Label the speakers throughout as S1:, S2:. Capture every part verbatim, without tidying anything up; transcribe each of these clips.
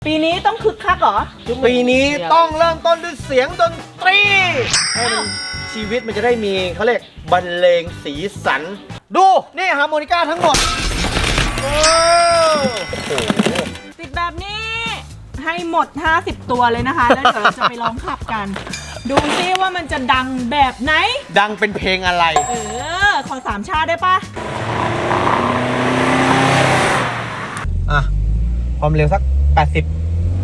S1: ปีนี้ต้องคึกคักเหรอ
S2: ปีนี้ต้องเริ่มต้นด้วยเสียงดนตรีให้มันชีวิตมันจะได้มีเขาเรียกบรรเลงสีสันดูนี่ฮาร์โมนิก้าทั้งหมดโอ้โห
S1: ติดแบบนี้ให้หมดห้าสิบตัวเลยนะคะแล้วเดี๋ยวเราจะไปลองขับกันดูซิว่ามันจะดังแบบไหน
S2: ดังเป็นเพลงอะไร
S1: เออขอสามชาติได้ปะ
S2: อ่ะความเร็วสักแปดสิบ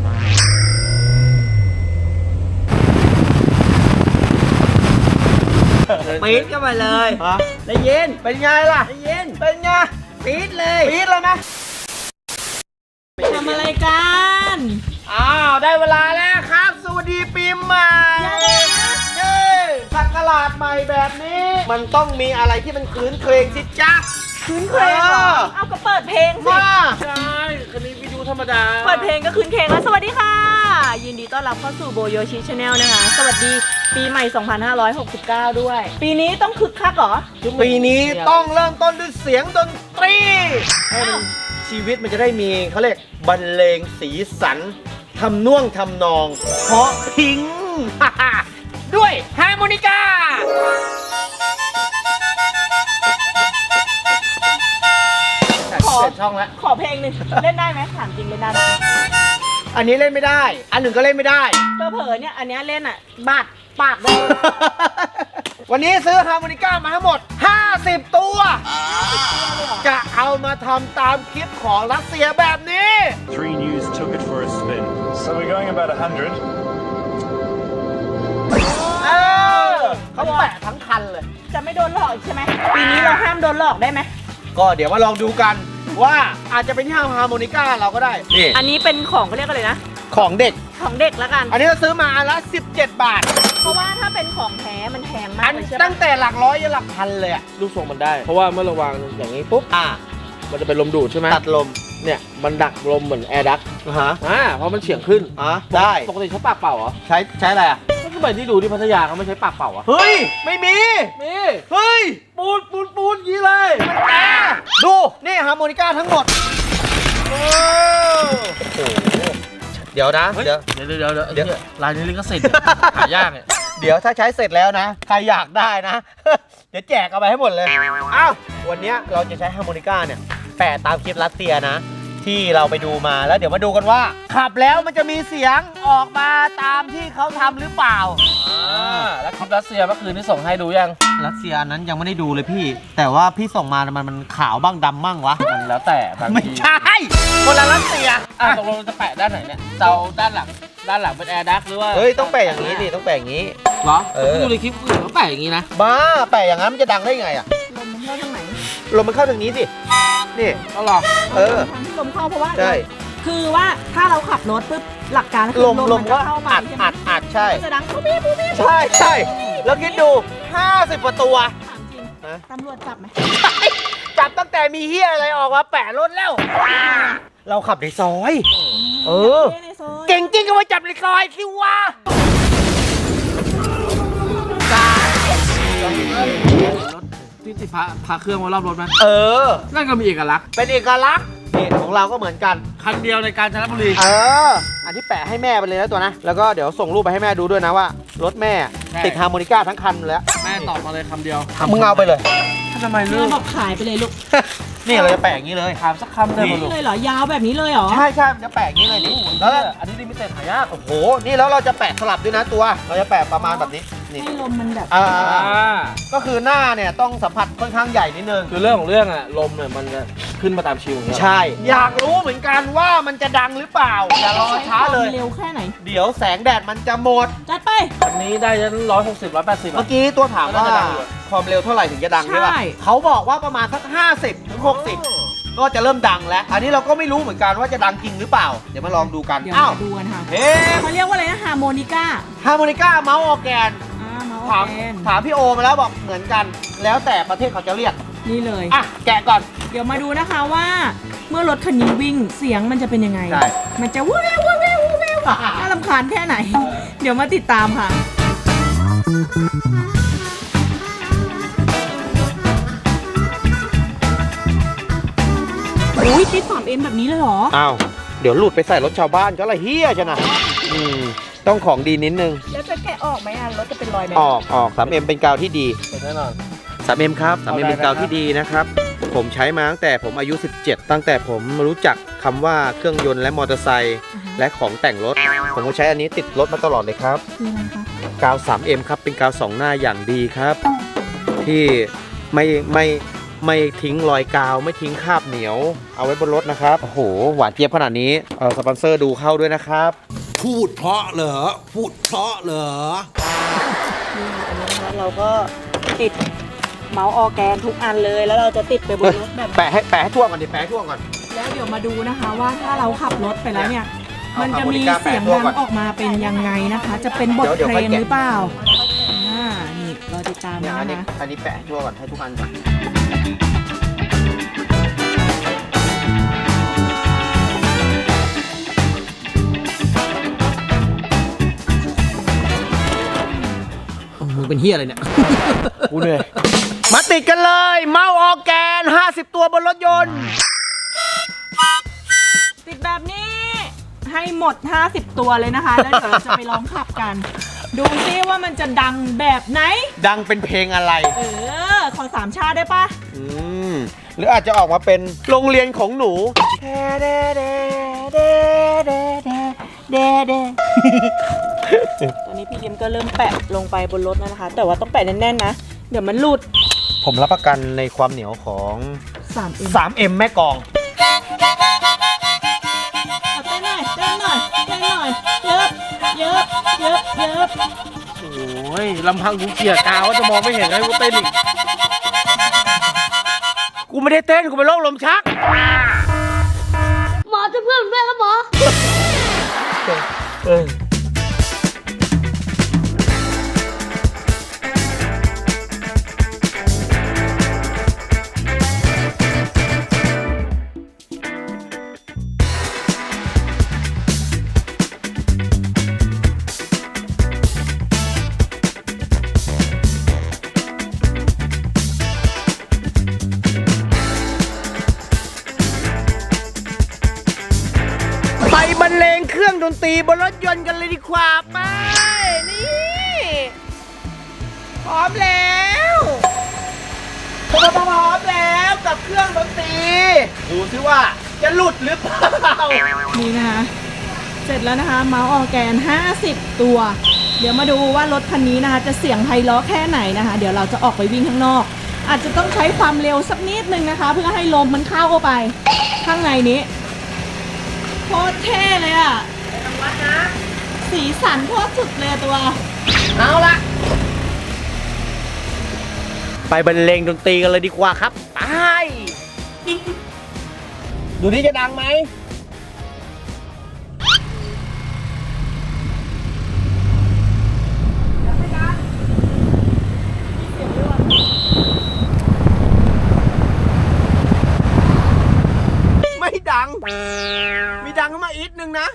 S1: ปี๊ดก็มาเลยได้ยิน
S2: เป็นไงล่ะ
S1: ได้ยิน
S2: เป็นไง
S1: ปี๊ดเลย
S2: ปี๊ดเลยนะ
S1: ทำอะไรกัน
S2: อ้าวได้เวลาแล้วครับสวัสดีปีใหม่เย้สักราชใหม่แบบนี้มันต้องมีอะไรที่มันคืนเครงสิจ๊ะ
S1: คืนเครงเหรอเอาก็เปิดเพลงสิ
S2: ใช่คันนี้วิดีโอธรรมดา
S1: เปิดเพลงก็คืนเครงแล้วสวัสดีค่ะยินดีต้อนรับเข้าสู่โบโยชิชาแนลนะคะสวัสดีปีใหม่สองพันห้าร้อยหกสิบเก้าด้วยปีนี้ต้องคึกคักเหรอ
S2: ปีนี้ต้องเริ่มต้นด้วยเสียงดนตรีให้มันชีวิตมันจะได้มีเขาเรียกบรรเลงสีสันทำน่วงทำนองเพราะพิงด้วยฮาร์โมนิก้าขอช่องแล้ว
S1: ขอเพลงหนึ่งเล่นได้ไหมถามจริงเล่นได้ไหม
S2: อันนี้เล่นไม่ได้อันหนึ่งก็เล่นไม่ได้
S1: เผลอๆเนี่ยอันนี้เล่นอ่ะบาดปากได้
S2: วันนี้ซื้อฮาร์โมนิก้ามาทั้งหมดห้าสิบตัวจะเอามาทำตามคลิปของรัสเซียแบบนี้
S3: Three News took it for a spin. So we're going about a hundred.
S2: เออเขาแปะทั้งคันเลย
S1: จะไม่โดนหลอกใช่ไหมปีนี้เราห้ามโดนหลอกได้ไหม
S2: ก็เดี๋ยวมาลองดูกันว่าอาจจะเป็นที่ฮาร์โมนิก้าเราก็ได้นี่
S1: อันนี้เป็นของเขาเรียกอะไรนะ
S2: ของเด็ก
S1: ของเด็กแล้วกัน
S2: อันนี้เราซื้อมาอันละสิบเจ็ดบาท
S1: เพราะว่าถ้าเป็นของแท้มันแพงมากเลยใช่ไหม
S2: ตั้งแต่หลักร้อยจนหลักพันเลยอะ
S4: ลูกทรงมันได้เพราะว่าเมื่อระวางอย่างนี้ปุ๊บ
S2: อ่า
S4: มันจะเป็นลมดูดใช่ไหม
S2: ตัดลม
S4: เนี่ยมันดักลมเหมือนแอร์ดัก
S2: ฮะ
S4: อ่าเพราะมันเฉียงขึ้น
S2: อ่ะได้
S4: ปกติใช้ปากเป่าเหรอ
S2: ใช้ใช้อะไรอ่ะ
S4: ก็คือแบบที่ดูที่พัทยาเขาไม่ใช้ปากเป่าอ่ะ
S2: เฮ้ยไม่มี
S4: มี
S2: เฮ้ย
S4: ปูนปูนปูนยี่เลย
S2: มันแอร์ดูนี่ฮาร์โมนิก้าทั้งหมดโอ้โหเดี๋ยวนะ
S4: เดี๋ยวเดี๋ยวเดี๋ยวเดี๋ยวลายนี้ลิขสิทธิ์หายากเนี่ย
S2: เดี๋ยวถ้าใช้เสร็จแล้วนะใครอยากได้นะเดี๋ยวแจกเอาไปให้หมดเลยอ้าววันนี้เราจะใช้ฮาร์โมนิก้าเนี่ยแปะตามคลิปรัสเซียนะที่เราไปดูมาแล้วเดี๋ยวมาดูกันว่าขับแล้วมันจะมีเสียงออกมาตามที่เขาทำหรือเปล่า
S4: อ่าแล้วคลิปรัสเซียเมื่อคืนที่ส่งให้ดูยัง
S2: รัสเซียนั้นยังไม่ได้ดูเลยพี่แต่ว่าพี่ส่งมามันมันขาวบ้างดำบ้างวะ
S4: มันแล้วแต่บางที
S2: ไม่ใช่คนละรัสเซีย
S4: อ่ะตกลงจะแปะด้านไหนเนี่ยเตาด้านหลังด้านหลังเป็นแอร์ดักหรือว่า
S2: เฮ้ยต้องแปะอย่างนี้ดิต้องแปะอย่างนี้
S4: เหรอเออดูในคลิปอื่นเขาแปะอย่างนี้นะ
S2: บ้าแปะอย่างนั้นมันจะดังได้ไงอ่ะ
S1: ลมมันเข้าทางไหน
S2: ลมมันเข้าทางนี้สินี่
S4: เอาหรอ
S2: เออ
S1: ทางที่ลมเข้าเพราะว่า
S2: ใช่
S1: คือว่าถ้าเราขับรถปุ๊บหลักการคือ
S2: ลมลมก็อัดอัดอัดใช่
S1: จะดังปุ๊บปุ๊บปุ๊บ
S2: ใช่ใช่แล้วคิดดูห้าสิบกว่าตัว
S1: ถามจริงตำรวจจับไหม
S2: จับตั้งแต่มีเฮียอะไรออกมาแปะรถแล้วเราขับในซอยเออเก่งจริงก็มาจับในซอยสิวะ
S4: ที่ติดพาพาเครื่องมารอบรถไหม
S2: เออ
S4: นั่นก็มีเอกลักษณ์
S2: เป็นเอกลักษณ์นี่ของเราก็เหมือนกัน
S4: คันเดียวในกาญจนบุรี
S2: เอออันที่แปะให้แม่ไปเลยนะตัวนะแล้วก็เดี๋ยวส่งรูปไปให้แม่ดูด้วยนะว่ารถแม่ติดฮาร์โมนิก้าทั้งคันแล้ว
S4: แม่ตอบมาเลยคำเดียว
S2: มึงเอาไปเลย
S4: ทำไมเลือก
S1: บอกขายไปเลยลูก
S2: นี่เราจะแปะอย่างนี้เลย
S4: ถามสักคำเลย
S1: นี่เลยเหรอยาวแบบนี้เลยเหรอ
S2: ใช่ใช่จะแปะอย่างนี้เลยนี่
S4: แล้วอันนี้ลิมิเต็ดหายาก
S2: โอ้โหนี่แล้วเราจะแปะสลับด้วยนะตัวเราจะแปะประมาณแบบนี้นี่
S1: ให้ลมมันแบบ
S2: อ่าก็คือหน้าเนี่ยต้องสัมผัสค่อนข้างใหญ่นิดนึง
S4: คือเรื่องของเรื่องอะลมเนี่ยมันจะขึ้นมาตามชิว
S2: ใช่อยากรู้เหมือนกันว่ามันจะดังหรือเปล่าอย่ารอช้าเลย
S1: เร็วแค่ไหน
S2: เดี๋ยวแสงแดดมันจะหมด
S1: จัดไป
S4: อันนี้ได้ยันร้อยหกสิบร้อยแปดสิบ
S2: เมื่อกี้ตัวถามว่าความเร็วเท่าไหร่ถึงจะดังใช่ป่ะเขาบอกว่าประมาณสักห้าสิบถึงหกสิบก็จะเริ่มดังแล้วอันนี้เราก็ไม่รู้เหมือนกันว่าจะดังจริงหรือเปล่าเดี๋ยวมาลองดูกัน
S1: อ้าวดูกันค่ะเฮ้เขาเรียกว่าอะไรนะฮาร์โมนิก้า
S2: ฮาร์โมนิก้าเมาส์ออร์แกนถามถามพี่โอมาแล้วบอกเหมือนกันแล้วแต่ประเทศเขาจะเรียก
S1: นี่เลย
S2: อ่ะแกะก่อน
S1: เดี๋ยวมาดูนะคะว่าเมื่อรถคันนี้วิ่งเสียงมันจะเป็นยังไง
S2: ใช่
S1: มันจะวู้ววู้ววู้วน่ารำคาญแค่ไหนเดี๋ยวมาติดตามค่ะอุ้ยติดสามเอ็มแบบนี้เลยเหรอ
S2: อ้าวเดี๋ยวหลุดไปใส่รถชาวบ้านก็อะไรเฮี้ยชนะอืมต้องของดีนิดนึง
S1: แล้วจะแกะออกไหมอ่ะรถจะเป็นรอยไหม
S2: ออกออก ทรี เอ็ม เป็นกาวที่ดี
S4: เป็นแน่นอน
S2: ทรี เอ็ม ครับ ทรี เอ็ม
S4: เอาได้
S2: เป็นกาวที่
S4: นะครับ
S2: ดีนะครับ ผมใช้มาตั้งแต่ผมอายุ สิบเจ็ด ตั้งแต่ผมรู้จักคำว่าเครื่องยนต์และมอเตอร์ไซค์และของแต่งรถ ผมก็ใช้อันนี้ติดรถมาตลอดเลยครับ
S1: คืออะไรคะ
S2: กาว ทรี เอ็ม ครับ เป็นกาวสองหน้าอย่างดีครับ ที่ไม่ไม่ไม่ทิ้งรอยกาว ไม่ทิ้งคราบเหนียว เอาไว้บนรถนะครับ โอ้โห หวานเจี๊ยบขนาดนี้เออสปอนเซอร์ดูเข้าด้วยนะครับ
S5: พูดเพราะเหรอ พูดเพราะเหรอ
S1: นี่อันนี้นะคะเราก็ติดเมาส์ออร์แกนทุกอันเลย แล้วเราจะติดไปบนรถแบบ
S2: แปะให้แปะให้ทั่วก่อนดิ แปะให้ทั่วก่อน
S1: แล้วเดี๋ยวมาดูนะคะว่าถ้าเราขับรถไปแล้วเนี่ย
S2: เอา
S1: มันจะมี
S2: เอา
S1: เสียง
S2: โมนิก้าแปะตัว
S1: ดัง
S2: ก่อน
S1: ออกมาเป็นยังไงนะคะ จะเป็นบท
S2: เดี๋ยว
S1: เพล
S2: เดี๋ยวค่อยแกะ
S1: งหรือเปล่าอ่านี่รอติดตาม
S2: เนี่ย
S1: นะ
S2: อันนี้
S1: คะ
S2: อันนี้แปะให้ทั่วก่อน ให้ทุกอันก่อน
S4: มึงเป็นเฮียอะไรเนี่ย
S2: กูเหนื่อย มาติดกันเลย เมาส์ออร์แกน ห้าสิบ ตัวบนรถยนต์
S1: ติดแบบนี้ให้หมดห้าสิบตัวเลยนะคะ แล้วเดี๋ยวเราจะไปลองขับกัน ดูซิว่ามันจะดังแบบไหน
S2: ดังเป็นเพลงอะไร
S1: เออ ขอสามชาติได้ปะ
S2: อืม หรืออาจจะออกมาเป็นโรงเรียนของหนู
S1: ตอนนี้พี่เอ็มก็เริ่มแปะลงไปบนรถแล้วนะคะ แต่ว่าต้องแปะแน่นๆนะ เดี๋ยวมันหลุด
S2: ผมรับประกันในความเหนียวของ
S1: สามเอ็ม
S2: ทรี เอ็ม แม่กอง
S1: เอาเต้นหน่อยเต้นหน่อยเต้นหน่อยเยิบเยิบเยิบเยิบ
S4: โอ้ยลำพังกูเกลียดกาวว่าจะมองไม่เห็นให้กูเต้นอีก
S2: กูไม่ได้เต้น กูเป็นโรคลมชัก
S6: หมอจะเพื่อนด้วยแล้วหมอ
S2: เออ ไปบรรเลงเครื่องดนตรีบนรถยนต์กันเลยดีกว่าไป นี่ พร้อมแล้วพร้อมพร้อมแล้วกับเครื่องดนตรี ดูซิว่าจะหลุดหรือเปล่า
S1: นี่นะคะ เสร็จแล้วนะคะ เมาส์ออร์แกนห้าสิบตัว เดี๋ยวมาดูว่ารถคันนี้นะคะ จะเสียงไพเราะแค่ไหนนะคะ เดี๋ยวเราจะออกไปวิ่งข้างนอก อาจจะต้องใช้ความเร็วสักนิดนึงนะคะ เพื่อให้ลมมันเข้าเข้าไป ข้างในนี้โคตรเท่เลยอ่ะสีสันโคตรสุดเลยตัว
S2: เอาละไปบรรเลงดนตรีกันเลยดีกว่าครับ ไป ดูนี่จะดังไหม ไม่ดัง มีดังขึ้นมาอีกนึงนะ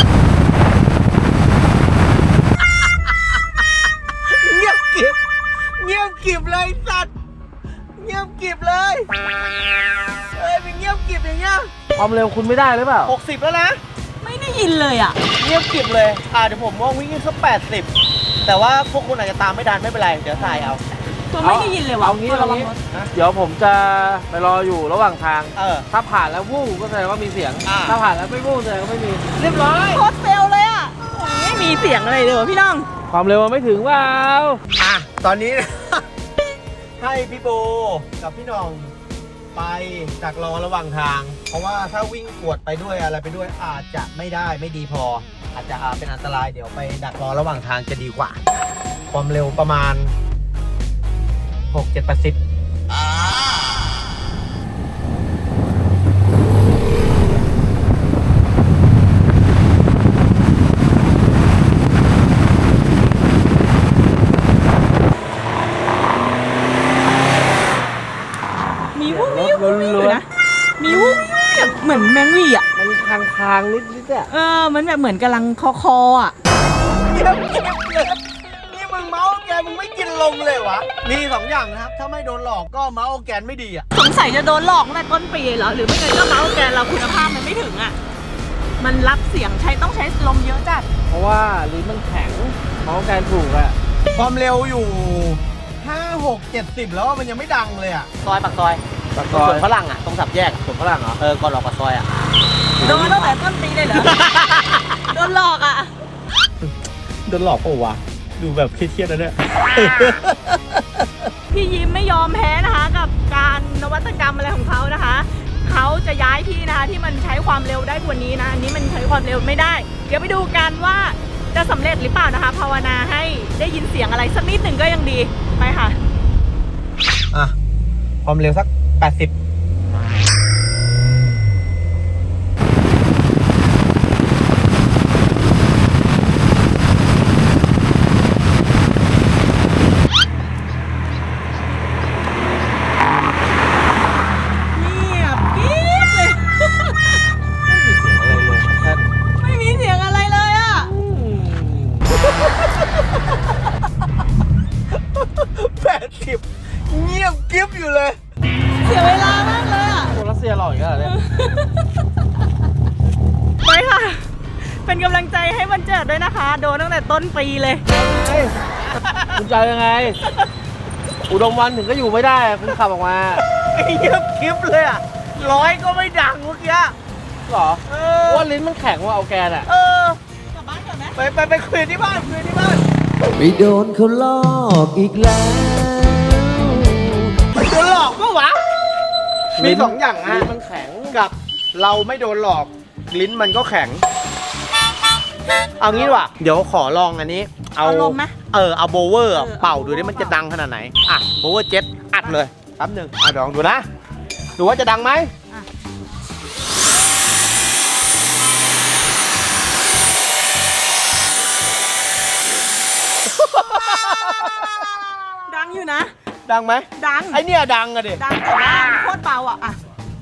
S2: เงียบกริบเงียบกริบเลยสัตว์ เงียบกริบเลย เอ้ยเป็นเงียบกริบอย่างเงี้ย
S4: ความเร็วคุณไม่ได้หรือเปล่า
S2: หกสิบแล้วนะ
S1: ไม่ได้ยินเลยอ่ะ
S2: เงียบกริบเลย อ่าเดี๋ยวผมว่าวิ่งสักแปดสิบแต่ว่าพวกคุณอาจจะตามไม่ทันไม่เป็นไร เดี๋ยวถ่ายเอา
S1: ตัวไม่ได้ยินเลยว่ะ
S4: เอางี้
S1: ตัว
S4: เอา
S1: ระวัง
S4: งี้
S1: รถ
S4: เดี๋ยวผมจะไปรออยู่ระหว่างทาง
S2: เออ
S4: ถ้าผ่านแล้ววู้ก็แสดงว่ามีเสียง
S2: อ่า
S4: ถ้าผ่านแล้วไม่วู้แสดงว่าไม่มี เรียบร้อย
S1: โคตรเฟลเลยอ่ะโอ้ยไม่มีเสียงอะไรเลยว่ะพี่น้อง
S4: ความเร็วมันไม่ถึงเปล่า
S2: อ่ะ ตอนนี้ ให้พี่โบกับพี่หน้องไปดักรอระหว่างทาง เพราะว่าถ้าวิ่งกวดไปด้วยอะไรไปด้วยอาจจะไม่ได้ไม่ดีพอ อาจจะอ่าเป็นอันตรายเดี๋ยวไปดักรอระหว่างทางจะดีกว่า ความเร็วประมาณ หก เจ็ด แปด สิบ
S1: มีวุ้งวิวอยู่นะ มีวุ้งวิวแบบเหมือนแมงวี่อ่ะ
S4: มันคางคางๆนิดนิดๆอะ
S1: เออ มันแบบเหมือนกำลังคอคออ่ะ
S2: เงียบเก็บเลยนี่มึงเมาส์แกนมึงไม่กินลมเลยวะ มีสองอย่างนะครับ ถ้าไม่โดนหลอกก็เมาส์แกนไม่ดีอ่ะ
S1: สงสัยจะโดนหลอกตั้งแต่ต้นปีเหรอ หรือไม่งั้นก็เมาส์แกนเราคุณภาพมันไม่ถึงอ่ะ มมันรับเสียงใช้ต้องใช้ลมเยอะจัด
S4: เพราะว่าลิ้นมันแข็งเมาส์แกนถูกอะ
S2: ความเร็วอยู่ห้า หก เจ็ดสิบแล้วมันยังไม่ดังเลยอ่ะ
S4: ซอยปากซอยปากซอยสวนฝรั่งอะตรงสับแยกสวนฝรั่งเหรอ เออ ก่อนออกปากซอยอะ
S1: โดนตั้งแต่ต้นปีเลยเหรอ โดนหลอกอ่ะ
S2: โดนหลอกเปล่าวะดูแบบเครียดๆนะเนี่ย
S1: พี่ยิ้มไม่ยอมแพ้นะคะกับการนวัตกรรมอะไรของเขานะคะ เขาจะย้ายที่นะคะที่มันใช้ความเร็วได้กว่านี้นะ อันนี้มันใช้ความเร็วไม่ได้ เดี๋ยวไปดูกันว่าจะสำเร็จหรือเปล่านะคะ ภาวนาให้ได้ยินเสียงอะไรสักนิดหนึ่งก็ยังดี ไปค่ะ
S2: อ่ะ ความเร็วสัก แปดสิบ
S1: เงียบกิ๊บเลย ไม่มีเสียงอะไรเลยอ่ะ
S2: แปดสิบ เงียบกิ๊บอยู่เลย
S1: เสียเวลามากเลยอ่ะ
S4: โซลาเซียหล่ออีกแล้วเนี่ย
S1: ไปค่ะ เป็นกำลังใจให้วันเจิดด้วยนะคะ โดนตั้งแต่ต้นปีเลย
S4: คุณจะยังไง อุดมวันถึงก็อยู่ไม่ได้อะคุณขับออกมา
S2: เงียบกิ๊บเลยอ่ะ ร้อยก็ไม่ดังเมื่อกี้
S4: หรอ
S2: เอ
S4: เพ
S2: อ
S4: ราะว่าลิ้นมันแข็งว่าเอาแกนอะ
S2: เออ
S1: กลับบ้านก่อนไหม
S2: ไปไปไปคุยที่บ้านคุยที่บ้าน
S5: ไม่โดนเขาลอกอีกแล้ว
S2: โดนหลอกปะวะ มีสองอย่างนะ
S4: ลิ้นมันแข็ง
S2: กับเราไม่โดนหลอก ลิ้นมันก็แข็ง เอางี้ดีกว่าเดี๋ยวขอลองอันนี้ เอา
S1: เอาลมไหม
S2: เออ เอาโบเวอร์
S1: เออ
S2: เป่าดูดิมันจะดังขนาดไหน อ่ะโบเวอร์เจ็ตอัดเลยแป๊บหนึ่งอ่ะลองดูนะ ดูว่าจะดังไหม
S1: ดังอยู่นะ
S2: ดังไหม
S1: ดัง
S2: ไอเนี่ยดังอะดิ
S1: ดังแต่ว่าโคตรเบาอ่ะอ่ะ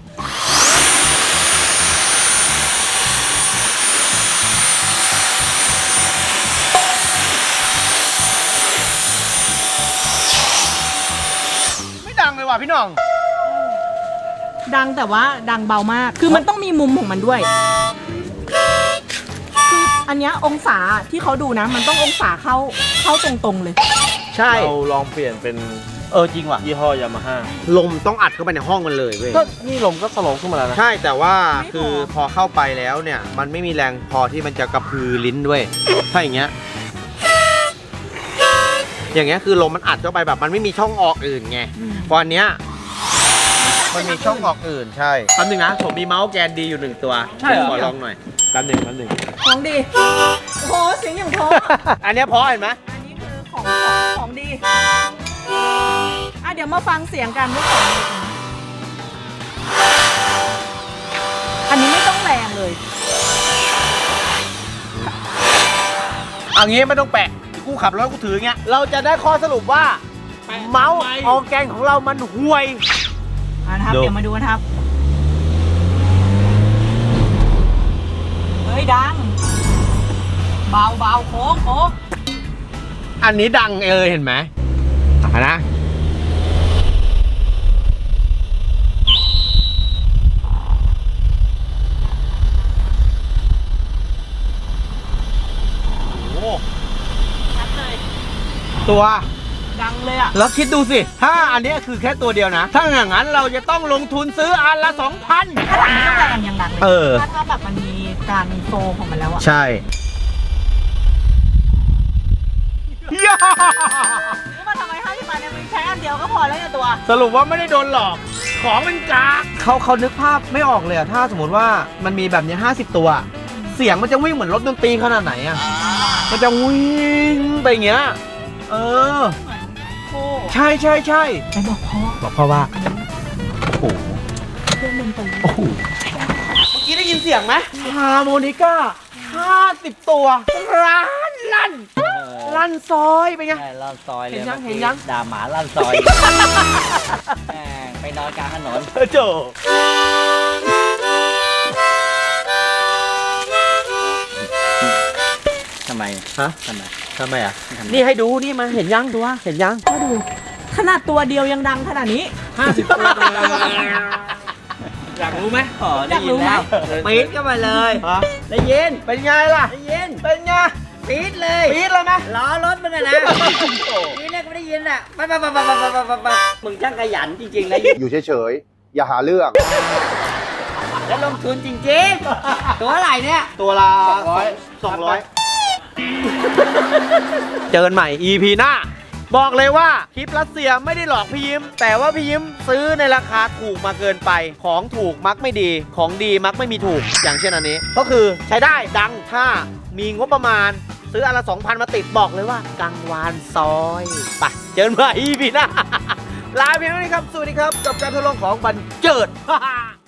S2: ไม่ดังเลยว่ะพี่น้อง
S1: ดังแต่ว่าดังเบามาก คือมันต้องมีมุมของมันด้วย คืออันเนี้ยองศาที่เขาดูนะ มันต้ององศาเข้าเข้าตรงๆเลย
S2: ใช่
S4: เราลองเปลี่ยนเป็น
S2: เออจริงว่ะ
S4: ยี่ห้อยามาฮ่า
S2: ลมต้องอัดเข้าไปในห้องมันเลยเว้ย
S4: ก็นี่ลมก็สโลว์ขึ้นมาแล้วนะ
S2: ใช่แต่ว่า
S1: ไม่พอ
S2: คือพอเข้าไปแล้วเนี่ย มันไม่มีแรงพอที่มันจะกระพือลิ้นด้วย ถ้าอย่างเงี้ย อย่างเงี้ยคือลมมันอัดเข้าไปแบบมันไม่มีช่องออกอื่นไงพออันเนี้ยมันมีช่องออกอื่นใช่แป๊บนึงนะผมมีเมาส์แกนดีอยู่หนึ่งตัว
S4: ใช่เหรอ
S2: ขอลองหน่อยแป๊บนึงแป๊บนึง
S1: ของดี โอ้โหเสียงอย่างเพราะ
S2: อันเนี้ยพอเห็นไหม
S1: อันนี้คือของของของดี อ่ะเดี๋ยวมาฟังเสียงกันว่าของดีอันนี้ไม่ต้องแรงเลย
S2: เอางี้ไม่ต้องแปะกูขับรถกูถืออย่างเงี้ยเราจะได้ข้อสรุปว่า เมาส์ออร์แกนของเรามันห่วย
S1: อ่ะนะครับ
S2: ดู
S1: เดี๋ยวมาดูกันครับ เฮ้ยดัง เบาเบาโค้งโค้ง
S2: อันนี้ดังเออเห็นไหมอ่ะนะ โอ้
S1: ชัดเลย
S2: ตัว
S1: ดังเลยอ่ะ
S2: แล้วคิดดูสิ ถ้าอันเนี้ยคือแค่ตัวเดียวนะ ถ้าอย่างนั้นเราจะต้องลงทุนซื้ออันละสองพัน
S1: ถ้าดังไม่ต้องแรงยังดังเลย
S2: เออ
S1: ถ้าถ้าแบบมันมีการโฟลของมันแล้วอ่ะ
S2: ใช่ย่า
S1: รู้มาทำไมห้าสิบบาทเนี่ยมันใช้อันเดียวก็พอแล้วเนี่ยตัว
S2: สรุปว่าไม่ได้โดนหลอก ของมันกากเขาเขานึกภาพไม่ออกเลยอะถ้าสมมติว่ามันมีแบบนี้ห้าสิบตัว เสียงมันจะวิ่งเหมือนรถดนตรีขนาดไหนอะมันจะวิ่งไปอย่างเงี้ย เออ
S1: เหมือนโค
S2: ใช่ใช่ใช่
S1: ไปบอกพ่อ
S2: บอกพ่อว่า โอ้โห
S1: เครื่องดนตรี
S2: โอ้โห เมื่อกี้ได้ยินเสียงไหมฮาร์โมนิก้าห้าสิบตัว ร้านลั่น ลั่นซอยไปนไง
S4: ใช่ลั่นซอยเลย
S2: เห็นยัง
S4: มื่อกี้
S2: เห็นยัง
S4: ด่าหมาลั่นซอย แม่งไปนอนกลางถนน
S2: เออโจ
S4: ทำไม
S2: ฮะ
S4: ทำไม
S2: ทำไมอ่ะ นี่ให้ดูนี่มาเห็นยังตัวเห็นยัง
S1: ก็ดู ขนาดตัวเดียวยังดังขนาดนี้
S2: ห้าสิบตัว
S4: อยากรู้ไหม
S1: อยากรู้ไหม
S2: ปี๊ดก็มาเลย
S4: ฮะ
S2: ได้ยิน เป็นไงล่ะ
S6: ได้ยิน
S2: เป็นไง
S6: ปี๊ดเลย
S2: ปี๊ดเลยไหม
S6: ล้อรถมึงอะนะนี่เนี่ยกูได้ยินอ่ะปั๊บปั๊บปั๊บปั๊บปั๊บปั๊บปั๊บปั๊บมึงช่างขยันจริงๆนะ
S7: อยู่เฉยๆ อย่าหาเรื่อง
S6: แล้วลงทุนจริงๆ ตัวอะไรเนี่ย
S2: ตัวละสองร้อยสองร้อยเจอกันใหม่ อี พี หน้า บอกเลยว่าคลิปรัสเซียไม่ได้หลอกพี่ยิ้ม แต่ว่าพี่ยิ้มซื้อในราคาถูกมาเกินไป ของถูกมักไม่ดี ของดีมักไม่มีถูก อย่างเช่นอันนี้ ก็คือใช้ได้ดังถ้ามีงบประมาณ ซื้ออันละ สองพัน มาติดบอกเลยว่ากังวานซอยไปเจอกันใหม่ อี พี หน้า ลาเพียงเท่านี้ครับ สวัสดีครับ กับการทดลองของบันเจิด